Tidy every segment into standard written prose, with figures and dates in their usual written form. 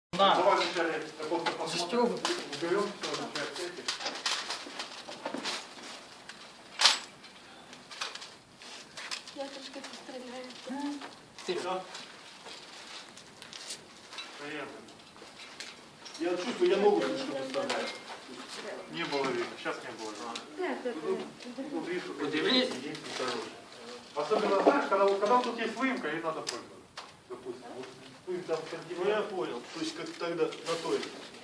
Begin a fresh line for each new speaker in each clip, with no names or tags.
На.
Давай вначале просто посмотрим.
Застёгнут.
Уберем все, вначале эти.
Я трошки постріляю.
Все. Поехали. Я чувствую, я ногу слишком выставляю. Не было видно, сейчас не было видно.
Подивись.
Особенно, знаешь, когда вот тут есть выемка, ей надо пользоваться. Допустим. Вот, там
Ну я понял. То есть как тогда на той.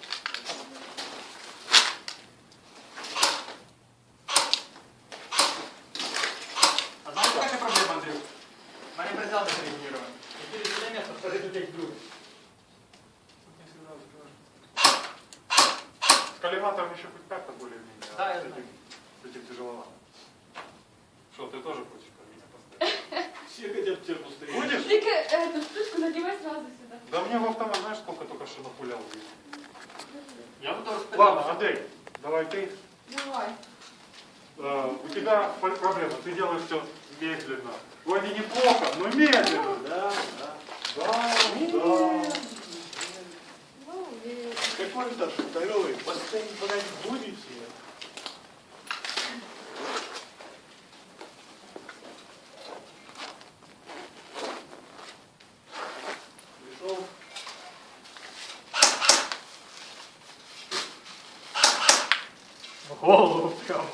А знаешь, какая проблема, Андрюк? У меня прицел не зарегулирован. И через это место скажи, тут есть глюк.
с коллиматором еще хоть как-то более-менее.
Да,
а
я
с
знаю.
этим тяжеловато. Что, ты тоже хочешь ко мне поставить?
Все хотят тебя посмотреть.
Будешь?
Тільки эту штучку надівай сразу сюди.
Да мне в автомат, знаешь, сколько только что напулял.
Я буду распределять.
Ладно, Андрей, давай ты.
Давай.
У тебя проблема, ты делаешь все медленно. Вроде неплохо, но медленно.
Да, да.
Да, да.
Ну, і...
Какой там второй? Поставить подать будете? Пришел.
В голову прям.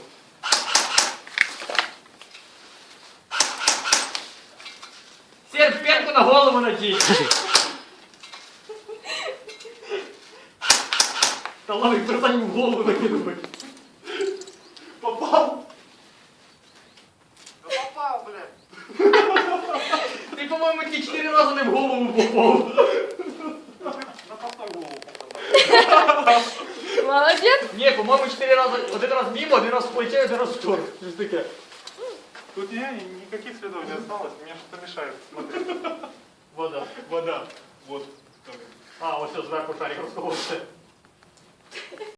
Серж, пенку на голову надень. Талановый перестань в голову накидывать.
Попал!
Да попал, блядь.
Ты, по-моему, тебе 4 раза не в голову попал.
На попал голову попал.
Молодець.
Не, по-моему, 4 раза. Один раз мимо, один раз в плече, один раз в торс. Что такое?
Тут никаких следов не осталось, мне что-то мешает смотреть.
Вода.
Вода. Вот. Так.
А, ось все зверху шарик розколовся.